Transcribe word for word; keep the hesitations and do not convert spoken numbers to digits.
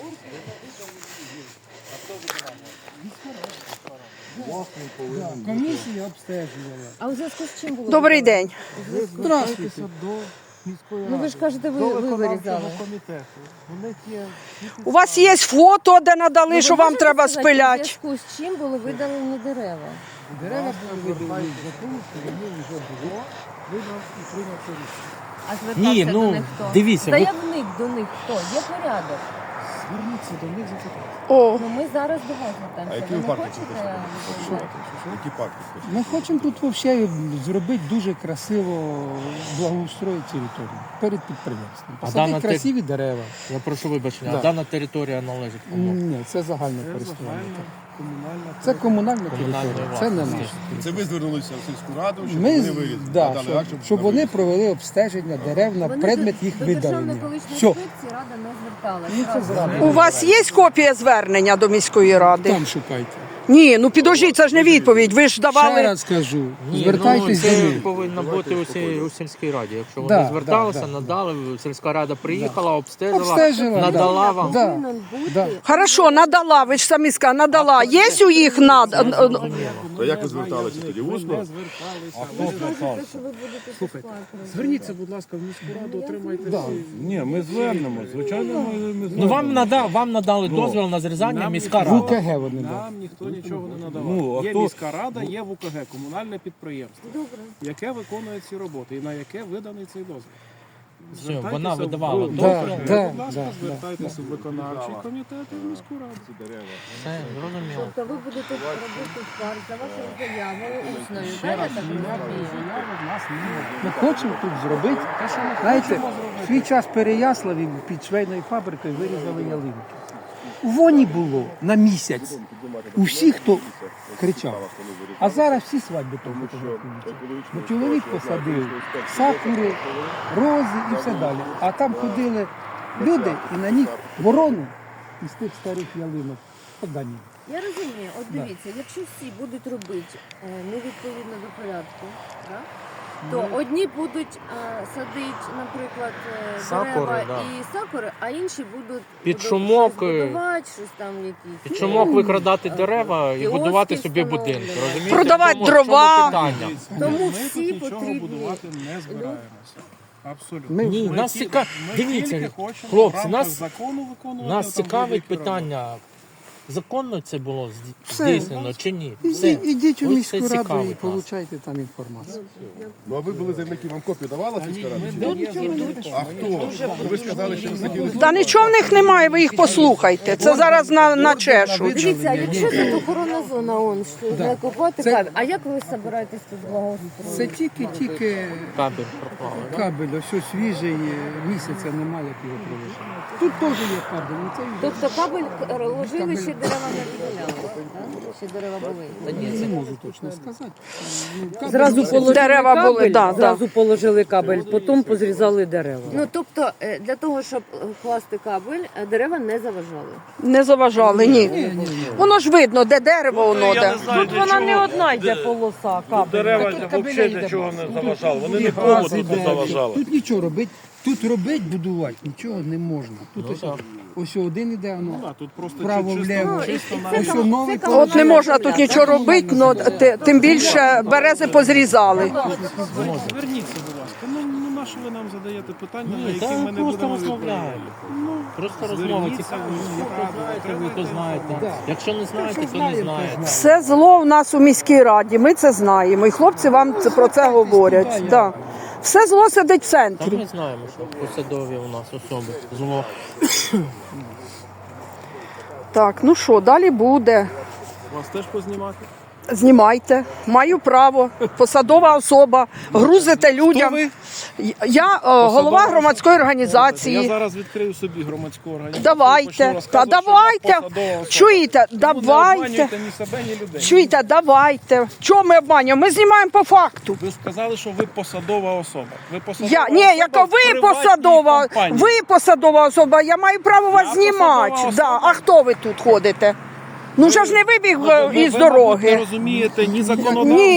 Комісія обстежувала. А у зв'язку з чим було? Добрий день. Здравствуйте. До міської ради. Ну ви ж кажете, ви, ви вирізали. Комітету. У них є... У вас є фото, де надали, Ну, що ви вам можете треба сказати, спиляти? У зв'язку з чим були видалені дерева? Дерева були видалені за тому, що вони вже було, вибрав і прийняв це рішення. А звертався Ні, до ну, них хто? дивіться, ви- Заявник до них хто? Є порядок. Зверніться до них за питання. О, Ну ми зараз до вас звертаємося. А які Ви ви не парки хочете? хочете? Які парки хочете? Ми хочемо тут взагалі зробити дуже красиво, благоустроїти територію перед підприємством. А Посадити дана те- красиві дерева. Я прошу вибачення, Да. а дана територія належить кому? Ні, це загальне користування. Це комунальна територія, це не власність. наша. Це ви звернулися в сільську раду, щоб Ми, вони вирізали, да, надали щоб, акт, щоб вони вирізали. провели обстеження дерев на Вони предмет до- їх до видалення. Державної екологічної Все, інспекції рада не зверталася. ну це Разом. зрада. у вас є копія звернення до міської ради? Там шукайте. Ні, ну підождіть, це ж не відповідь. Ви ж Ще давали. раз кажу, Ні, звертайтесь ну, до це них. повинно бути у, сій- у сільській раді. Якщо Да, вони зверталися, да, да. надали, сільська рада приїхала, обстежила, Обстежила, надала да. вам. Да. Повинен бути. Да. Хорошо, надала, ви ж самі сказали, надала. Є у їх над... То як ви зверталися тоді? Усно? Що ви будете Слухайте, сплачувати? зверніться, будь ласка, в міську раду, отримайте Да. всі. Ні, ми звернемо. Звичайно, ми, ми звернемо. Ну вам нада, вам надали дозвіл на зрізання нам міська В рада. УКГ вони дали. Нам ніхто нічого не надавав. Ну, а є хто- міська рада, є в УКГ, комунальне підприємство, Добре. яке виконує ці роботи і на яке виданий цей дозвіл. Все, Звертайтеся вона в- видавала в- дозвіл. Да, да, Будь ласка, да, звертайтеся в виконавчий комітет і в міську раду. Все, зрозуміло. Тобто ви будете робити скарг за вашою заявою усною, так, я так розумію? Ми хочемо тут зробити. Знаєте, в свій час в Переяславі під швейною фабрикою вирізали ялинки. У воні було на місяць. У всіх, хто кричав. А зараз всі свадьби там фотографуються. Бо чоловік посадив сакури, рози і все далі. А там ходили люди і на них ворони із тих старих ялинок погані. Я розумію, от дивіться, якщо всі будуть робити е, невідповідно до порядку, да, то одні будуть е, садити, наприклад, е, Сакури, дерева да. і сакури, а інші будуть Під будуть шумок, щось е, будувати, щось там якісь. Під чумок викрадати дерева і Кіоски будувати собі встановлювати. будинки. Розумієте? Продавати В чому- в чому дрова. питання? Тому Ми всі тут нічого потрібні будувати не збираємося. Абсолютно. Ми- Ні, Ми нас тільки- цікавить. ми Дивіться, тільки хочемо в хлопці, рамках нас, закону виконувати нас там цікавить будь-які питання. Законно це було Все. здійснено чи ні? Все. Ідіть, ідіть у Ось міську це раду і цікавить нас. получайте там інформацію. Ну а ви були заявники, вам копію давала сільська рада? чи ні? Йдуть. А хто? Ви сказали, що ви хотіли... Та нічого в них немає, ви їх послухайте. Це зараз на, на чешуть. Дивіться, а якщо тут охоронна зона, он що не купувати Це- кабель, а як ви збираєтесь тут Це благоустроїти? тільки-тільки Кабель пропав. да? кабель, ось ось свіжий, місяця немає, як його провести. Тут теж є кабель, ну це Тобто кабель к- ложили, ще дерева не виділяли, так? Ще дерева були. не можу точно сказати. Ну, кабель- Зразу положили Дерева кабель, були, да, зразу положили кабель, потім позрізали дерева. Ну, тобто, е, для того, щоб е, класти кабель, е, дерева не заважали. Не заважали, ні. Воно ж видно, де дерево, воно де. Тут вона не одна йде полоса кабель. Дерева Тут кабеля взагалі йде нічого багато. не заважало. Вони Тут нікому газ тут не іде. заважали. Тут нічого робити. Тут робити, будувати, нічого не можна. Тут ось, так. ось один іде, Ну, воно да, тут просто вправо, чисто- вліво. Ну, і чисто це Ось там- новий це там От не можна тут нічого робити, ну, те- тим більше берези позрізали. Зверніться, будь ласка. Ну, ну на що ви нам задаєте питання, на Ні, які та ми ми не просто будемо розмовляємо. відповідати? Просто розмова зверніться цікава. в міську Ви раду, знаєте, ви то отримайте знаєте. Якщо не знаєте, то не знаєте. Все зло у нас у міській раді, ми це знаємо. І хлопці вам це- про це говорять. Да. Все зло сидить в Та центрі. ми знаємо, що посадові у нас особи. Зло. Так, ну що, далі буде. Вас теж познімати? Знімайте, маю право, посадова особа, грузите людям. Я е, голова громадської Я організації. зараз відкрию собі громадську організацію. Давайте, почну та розказувати, що я давайте. посадова особа. Чуєте, Тому не давайте. обманюйте ні себе, ні людей. Чуєте, давайте. Чого ми обманюємо? Ми знімаємо по факту. Ви сказали, що ви посадова особа. Ви посадова Я, ні, особа яка в ви приватній посадова, компанії. ви посадова особа, я маю право вас Я знімати. посадова Да. особа. А хто ви тут ходите? Ну вже ж не вибіг Ну, е, ви- із ви, мабуть, не дороги. розумієте ні законодавства, Ні.